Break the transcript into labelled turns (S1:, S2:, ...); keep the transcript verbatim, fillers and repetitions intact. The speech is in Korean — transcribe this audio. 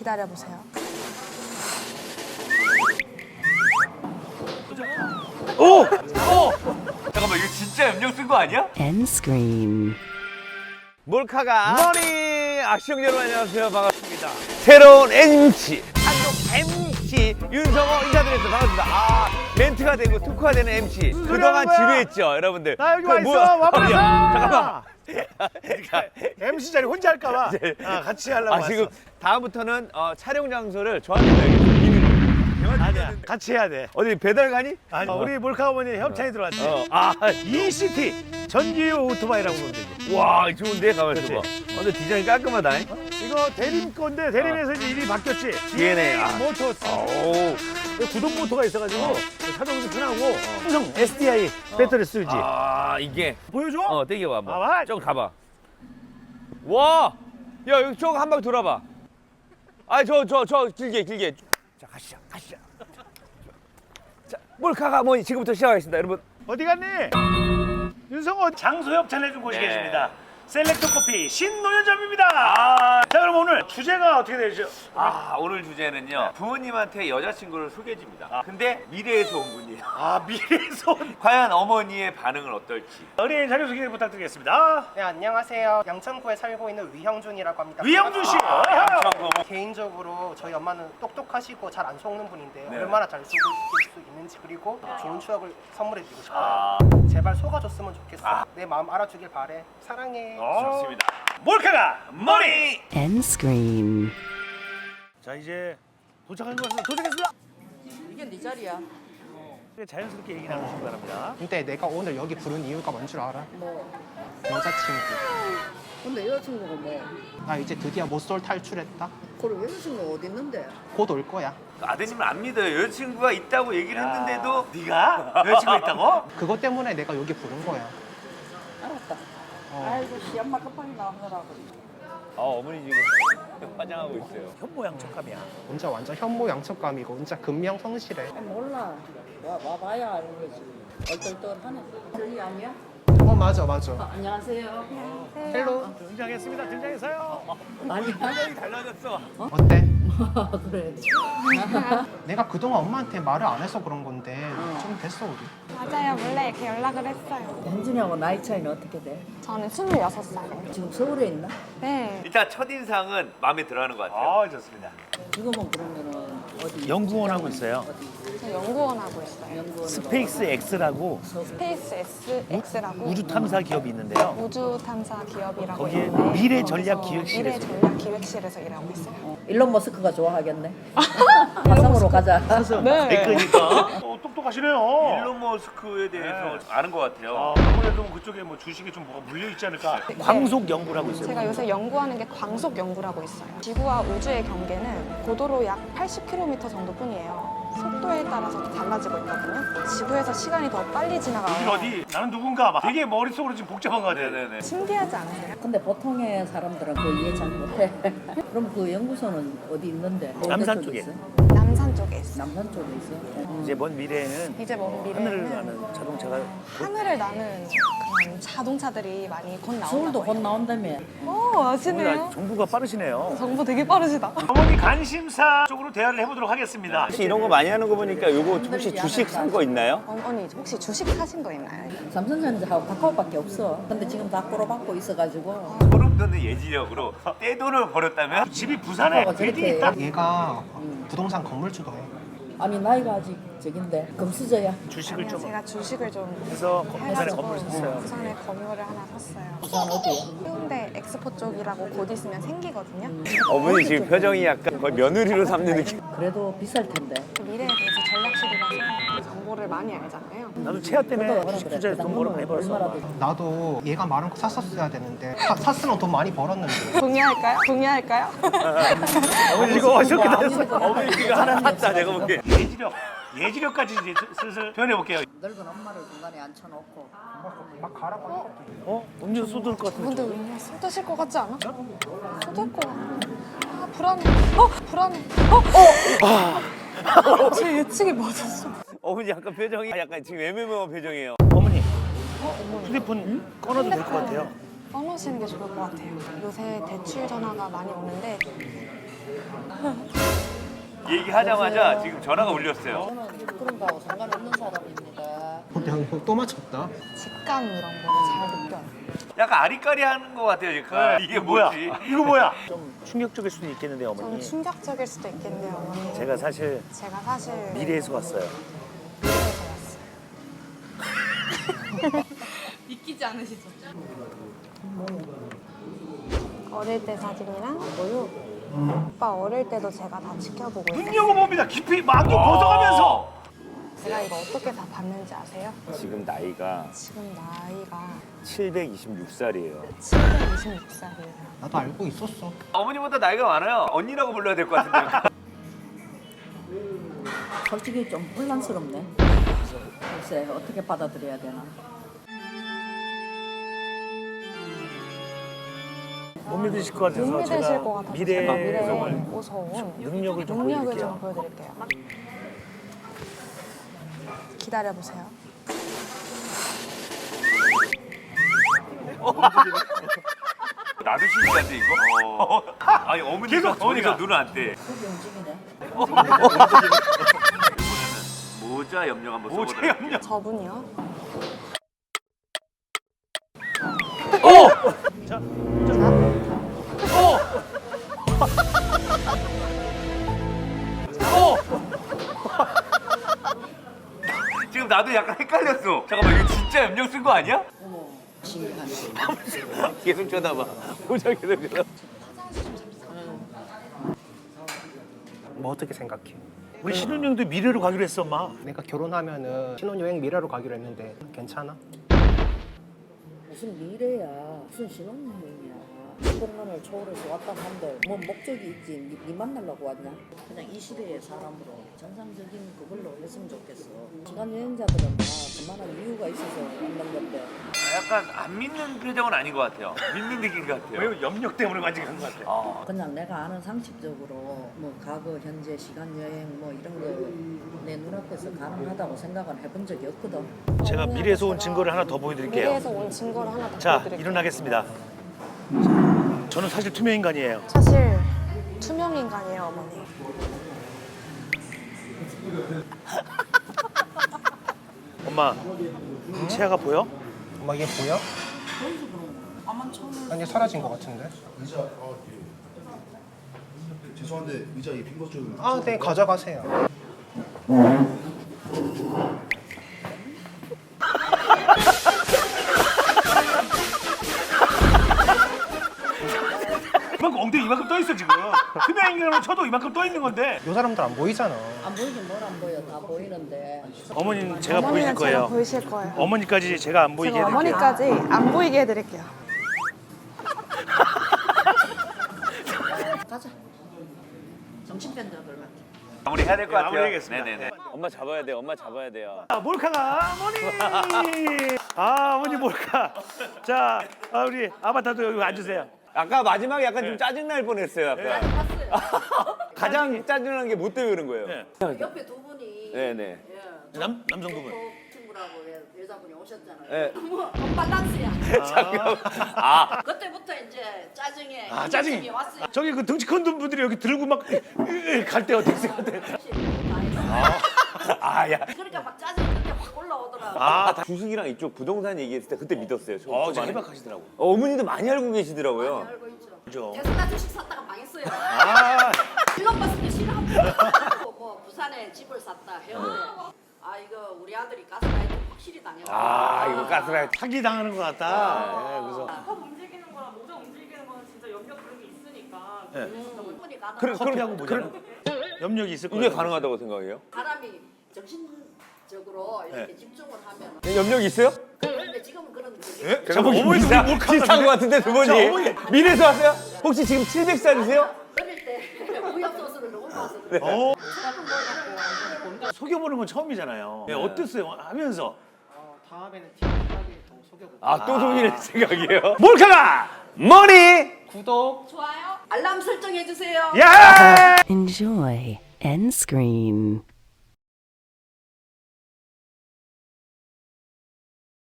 S1: 기다려보세요.
S2: 오! 오! 잠깐만 이거 진짜 염력 쓴 거 아니야?
S3: End screen.
S2: 몰카가 머니 악시형 여러분 안녕하세요 반갑습니다. 새로운 엠씨 한국 엠씨 윤성호 인사드렸습니다. 반갑습니다. 아 멘트가 되고 특화가 되는 엠씨 그동안 지루했죠 여러분들.
S4: 나 여기
S2: 그
S4: 와 있어.
S2: 뭐야?
S4: 와버렸어.
S2: 잠깐만.
S4: 엠씨 자리 혼자 할까봐 아, 같이 하려고
S2: 아
S4: 왔어.
S2: 지금 다음부터는 어, 촬영 장소를 저한테 내야겠어. 비밀로.
S4: 아니야. 같이 해야 돼.
S2: 어디 배달 가니?
S4: 아니,
S2: 어.
S4: 우리 몰카 어머니 협찬이 들어왔지.
S2: 어. 아,
S4: 이시티 전기요 오토바이라고 보면 되지.
S2: 와 좋은데 가만 있어봐. 어,
S4: 그치?
S2: 근데 디자인 깔끔하다.
S4: 이거 대림 건데 대림에서 이제 일이 바뀌었지.
S2: 디엔에이. 아.
S4: 모터스.
S2: 오.
S4: 구동 모터가 있어가지고 자동도 편하고 삼성 에스디아이 배터리 쓰지.
S2: 아 이게
S4: 보여줘?
S2: 어 땡겨봐 한번.
S4: 봐봐.
S2: 좀 가봐. 와, 야 여기 쭉 한 바퀴 돌아봐. 아 저 저 저 길게 길게. 자 가시죠 가시죠. 자 몰카가 뭐 지금부터 시작하겠습니다 여러분.
S4: 어디 갔니? 윤성호 장소 협찬해준 곳이
S2: 네.
S4: 계십니다. 셀렉트 커피 신노현점입니다. 아, 자 그럼 오늘 주제가 어떻게 되죠?
S2: 아 오늘 주제는요 부모님한테 여자친구를 소개해줍니다. 근데 미래에서 온 분이에요.
S4: 아 미래에서 온
S2: 과연 어머니의 반응은 어떨지.
S4: 어린이 자료소개 부탁드리겠습니다.
S5: 네, 안녕하세요. 양천구에 살고 있는 위형준이라고 합니다.
S4: 위영준 씨.
S2: 아, 양천구.
S5: 개인적으로 저희 엄마는 똑똑하시고 잘 안 속는 분인데
S2: 네.
S5: 얼마나 잘 속을 수 있는지 그리고 좋은 추억을 선물해드리고 싶어요.
S2: 아.
S5: 제발 속아줬으면 좋겠어. 내 마음 알아주길 바래. 사랑해.
S4: 어,
S2: 좋습니다.
S4: 몰카가 머리.
S3: End screen.
S4: 자 이제 도착한 것 같습니다. 도착했습니다.
S6: 이게 네 자리야.
S4: 자연스럽게 얘기 나누시기 바랍니다.
S5: 근데 내가 오늘 여기 부른 이유가 뭔 줄 알아?
S6: 뭐.
S5: 여자친구.
S6: 근데 여자친구가 뭐.
S5: 나 이제 드디어 모쏠 탈출했다.
S6: 그럼 여자친구가 어디 있는데?
S5: 곧 올 거야.
S2: 아드님을 안 믿어요. 여자친구가 있다고 얘기를 했는데도
S4: 네가 여자친구 있다고?
S5: 그것 때문에 내가 여기 부른 거야.
S6: 알았다.
S5: 어.
S6: 아이고 씨 엄마 급하게 나오느라고.
S2: 아 어머니 지금 화장하고 있어요.
S4: 현모양 촉감이야.
S5: 혼자 완전 현모 양척감이고 혼자 근명 성실해.
S6: 아, 몰라. 와, 와봐야 아는 거지. 얼떨떨하네. 저희 아니야?
S5: 어 맞아 맞아.
S6: 아, 안녕하세요.
S5: 헬로.
S4: 등장했습니다. 등장했어요.
S6: 아니야.
S2: 표정이 달라졌어.
S5: 어때?
S6: 그래.
S5: 내가 그동안 엄마한테 말을 안 해서 그런 건데 좀 됐어 우리.
S1: 맞아요. 원래 이렇게 연락을 했어요.
S6: 현준이하고 나이 차이는 어떻게 돼?
S1: 저는 스물여섯 살.
S6: 지금 서울에 있나?
S1: 네.
S2: 일단 첫인상은 마음에 들어하는 것 같아요.
S4: 아 좋습니다.
S6: 지금은 그러면은 어디?
S4: 연구원 하고 있어요.
S1: 저 연구원 하고 있어요.
S6: 연구원으로.
S4: 스페이스 X라고
S1: 스페이스 S X라고
S4: 우주 탐사 기업이 있는데요.
S1: 우주 탐사 기업이라고
S4: 거기에
S1: 있는데
S4: 미래 전략
S1: 거기서
S4: 기획실에서.
S1: 미래 전략 기획실에서 일하고 있어요.
S6: 어, 일론 머스크가 좋아하겠네. 화성으로 가자.
S1: 네.
S4: 그러니까 어, 똑똑하시네요.
S2: 일론 머스크에 대해서 아는 것 같아요.
S4: 어, 아무래도 그쪽에 뭐 주식이 좀 뭐가 물려 있지 않을까. 광속 연구를 하고 있어요.
S1: 제가 요새 연구하는 게 광속 연구라고 있어요. 지구와 우주의 경계는 고도로 약 팔십 킬로미터 정도뿐이에요. 속도에 따라서 달라지고 있거든요. 지구에서 시간이 더 빨리
S4: 여기
S1: 지나가요.
S4: 어디? 나는 누군가 막 되게 머릿속으로 지금 복잡한 것 같아요.
S2: 네네네.
S1: 신기하지 않으세요?
S6: 근데 보통의 사람들은 그 이해 잘 못해. 그럼 그 연구소는 어디 있는데?
S4: 남산
S6: 어디
S4: 쪽에.
S6: 있어?
S1: 남산 쪽에 있어요.
S6: 남산 쪽에 있어. 음.
S4: 이제 먼 미래에는
S1: 이제 먼
S4: 하늘을
S1: 미래에는
S4: 나는 자동차가
S1: 하늘을 나는 그런 자동차들이 많이 곧
S6: 서울도
S1: 나온다고
S6: 곧
S1: 해요.
S6: 나온다며.
S1: 오, 아시네요.
S4: 정부가 빠르시네요.
S1: 정보 되게 빠르시다.
S4: 어머니 관심사 쪽으로 대화를 해보도록 하겠습니다.
S2: 혹시 이런 거 많이 하는 거 보니까 요거 혹시 주식 산 거 있나요?
S1: 어머니 혹시 주식 사신 거 있나요?
S6: 삼성전자하고 카카오밖에 없어. 근데 지금 다 꼬로박고 있어가지고.
S2: 소름 돋는 예지력으로 떼돈을 벌였다면
S4: 집이 부산에
S6: 어,
S4: 빌딩
S6: 저렇게.
S4: 있다.
S5: 얘가 부동산 건물주도 해.
S6: 아니 나이가 아직 저긴데 금수저야.
S4: 주식을
S1: 아니요,
S4: 좀
S1: 제가 주식을 좀
S4: 해서 부산에
S1: 해가지고
S4: 건물 샀어요.
S1: 부산에 건물을 하나 샀어요.
S6: 부산 어디야?
S1: 해운대 엑스포 쪽이라고 곧 있으면 생기거든요.
S2: 어머니 지금 표정이 약간 거의 며느리로 삼는 느낌.
S6: 그래도 비쌀 텐데.
S1: 그 미래에 대해서 전략실이라서 정보를 많이 알잖아요.
S4: 나도 체화 때문에
S6: 그러다
S4: 주식
S6: 그래.
S4: 투자에 돈 벌어 많이 벌었어.
S6: 얼마나 돼?
S5: 나도 얘가 말한 거 샀었어야 되는데 사, 샀으면 돈 많이 벌었는데.
S1: 동의할까요? 동의할까요?
S4: 어머니 이거 어저께 다 했어.
S2: 어머니 이거 하나 샀다 내가 보기엔.
S4: 예지력, 예지력까지 이제 슬슬 표현해 볼게요.
S6: 늙은 엄마를 중간에 앉혀놓고.
S5: 막 가라고.
S4: 어? 음료 쏟을 것 같은데.
S1: 근데 왠지 쏟으실 것 같지 않아? 쏟을 것 같아. 아 불안해. 어? 불안해. 어? 어? 제 예측이 맞았어.
S2: 어머니 약간 표정이 약간 지금 애매모호한 표정이에요.
S4: 어머니, 휴대폰 꺼놔도 될 것 같아요.
S1: 써놓으시는 게 좋을 것 같아요. 요새 대출 전화가 많이 오는데
S2: 얘기하자마자 지금 전화가 울렸어요.
S6: 저는 그런 거하고 상관없는 사람입니다.
S5: 내가 이거 또 맞췄다.
S1: 직감 이런 거를 잘 느껴요.
S2: 약간 아리까리하는 것 같아요 지금. 이게
S4: 뭐야?
S2: 뭐지?
S4: 이거 뭐야? 좀 충격적일 수도 있겠는데
S1: 좀
S4: 어머니.
S1: 충격적일 수도 있겠네요, 어머니.
S4: 제가 사실
S1: 제가 사실
S4: 미래에서 왔어요.
S1: 미래에서 왔어요.
S7: 믿기지 않으시죠?
S1: 어릴 때 사진이랑 뭐요? 오빠 어릴 때도 제가 다 지켜보고 있어요.
S4: 눈여겨봅니다. 깊이 막이 벗어가면서.
S1: 제가 이거 어떻게 다 봤는지 아세요?
S2: 지금 나이가
S1: 지금 나이가
S2: 칠백이십육 살이에요.
S1: 칠백이십육 살이에요.
S5: 나도 알고 있었어.
S2: 어머니보다 나이가 많아요. 언니라고 불러야 될 것 같은데.
S6: 솔직히 좀 혼란스럽네. 글쎄 어떻게 받아들여야 되나.
S4: 못 믿으실 것 같아서
S1: 못 믿으실
S4: 제가
S1: 것 같아서
S4: 미래에
S1: 제가 미래에
S4: 정말
S1: 무서운
S4: 능력을 좀
S1: 능력을
S4: 보여드릴게요.
S1: 좀 보여드릴게요. 기다려보세요.
S2: 나도 신기한데 이거? 아니 어머니가
S4: 계속
S2: 어머니가
S4: 어머니가.
S2: 눈을 안 떼.
S6: 그게 움직이네.
S2: 모자 염력 한번
S4: 모자
S2: 써보도록
S4: 염력.
S1: 저분이요?
S4: 자,
S2: 지금 나도 약간 헷갈렸어. 잠깐만 이거 진짜 염력 쓴 거 아니야?
S6: 어머 신기하네.
S2: 계속 쳐다봐. 모자 계속 쳐다봐.
S5: 뭐 어떻게 생각해?
S4: 우리 신혼여행도 미래로 가기로 했어, 엄마.
S5: 내가 결혼하면은 신혼여행 미래로 가기로 했는데 괜찮아?
S6: 무슨 미래야. 무슨 신혼여행이야. 이백 년을 초월해서 왔다 한들 뭐 목적이 있지. 니, 니 만나려고 왔냐? 그냥 이 시대의 사람으로 정상적인 그걸로 했으면 좋겠어. 시간 여행자들은 다 그만한 이유가 있어서 왔는 건데.
S2: 약간 안 믿는 표정은 아닌 것 같아요. 믿는 느낌 같아요.
S4: 왜 염력 때문에 만지게 한 것 같아.
S2: 아,
S6: 그냥 내가 아는 상식적으로 뭐 과거, 현재, 시간 여행 뭐 이런 거 내 눈앞에서 가능하다고 생각은 해본 적이 없거든.
S4: 제가 미래에서 온 증거를 하나 더 보여드릴게요.
S1: 미래에서 온 증거를 하나 더
S4: 자,
S1: 보여드릴게요.
S4: 일어나겠습니다. 저는 사실 투명 인간이에요.
S1: 사실 투명 인간이에요, 어머니.
S4: 엄마, 채아가 보여?
S5: 엄마 얘 보여? 아니 사라진 것 같은데.
S8: 죄송한데 의자 이 빈 것 좀.
S5: 아, 네 가져가세요.
S4: 이만큼 엉덩이 이만큼 떠 있어 지금. 투명 인간으로 쳐도 이만큼 떠 있는 건데.
S5: 요 사람들 안 보이잖아.
S6: 안 보이긴 뭘 안 보여. 다 보이는데.
S4: 어머니는 제가 보이실
S1: 어머니는 제가
S4: 거예요.
S1: 보이실 거예요.
S4: 어머니까지 제가 안 보이게
S1: 제가
S4: 해드릴게요.
S1: 어머니까지 안 보이게 해드릴게요.
S6: 가자. 정신병자들 같아.
S2: 마무리 해야 될 것
S4: 네,
S2: 같아요.
S4: 마무리하겠습니다.
S2: 네네네.
S4: 네.
S2: 엄마 잡아야 돼. 엄마 잡아야 돼요.
S4: 아, 몰카가 어머니. 아, 어머니 몰카. 자, 아, 우리 아바타도 여기 앉으세요.
S2: 아까 마지막에 약간 좀 짜증 날 뻔했어요. 약간. 가장 짜증난 게 뭐 때문에 그런 거예요?
S4: 네.
S6: 옆에 두 분이
S2: 네네.
S6: 예,
S4: 남 남성분은.
S6: 친구라고 여- 여자분이 오셨잖아요.
S2: 네.
S6: 너무 언밸런스야.
S2: 잠깐만. 아,
S6: 그때부터 이제 짜증에
S4: 아, 짜증이.
S6: 힘이 왔어요.
S4: 저기 그 덩치 큰 분들이 여기 들고 막 갈 때 어떻게 생각해?
S2: 아, 야.
S6: 그러니까 막 짜증이 그때 확 올라오더라고.
S4: 아,
S2: 주식이랑 이쪽 부동산 얘기했을 때 그때 믿었어요. 저,
S4: 어,
S2: 초반에.
S4: 해박하시더라고.
S2: 어, 어머니도 많이 알고 계시더라고요.
S6: 알고 있죠.
S4: 그죠.
S6: 테슬라 주식 샀다가 망했어요.
S4: 아,
S6: 일론 버스크 싫어합니다. 뭐 부산에 집을 샀다 해운대. 아 이거 우리 아들이 가스라이트 확실히 당했다.
S2: 아, 이거 가스라이트.
S4: 사기 당하는 것 같다. 예, 그래서
S7: 컵 움직이는 거랑 모자 움직이는 거는 진짜 염력 그런 게 있으니까
S4: 예.
S6: 충분히 가능.
S2: 그래,
S4: 커피하고
S2: 그래,
S4: 모자는 염력이 있을 거예요.
S2: 이게 가능하다고 생각해요?
S6: 사람이 정신적으로 이렇게
S4: 네.
S6: 집중을 하면.
S2: 네, 염력이 있어요?
S6: 그런데 지금은 그런 게.
S4: 예? 잠깐 어머니도
S2: 비슷한,
S4: 우리 몰카
S2: 비슷한 것 같은데 두 분이.
S4: 자, 어머니.
S2: 미래에서 왔어요? 혹시 지금 칠백 살이세요?
S6: 어릴 때 우유 소스를 너무 봐서.
S4: 어. 속여보는 건 처음이잖아요. 예, 어땠어요? 하면서
S5: 어, 다음에는 팀하게 더 속여볼게.
S2: 아, 또 속이는 생각이에요?
S4: 몰카가
S2: 머리!
S5: 구독.
S7: 좋아요.
S6: 알람 설정해 주세요.
S4: 야!
S3: Enjoy end screen.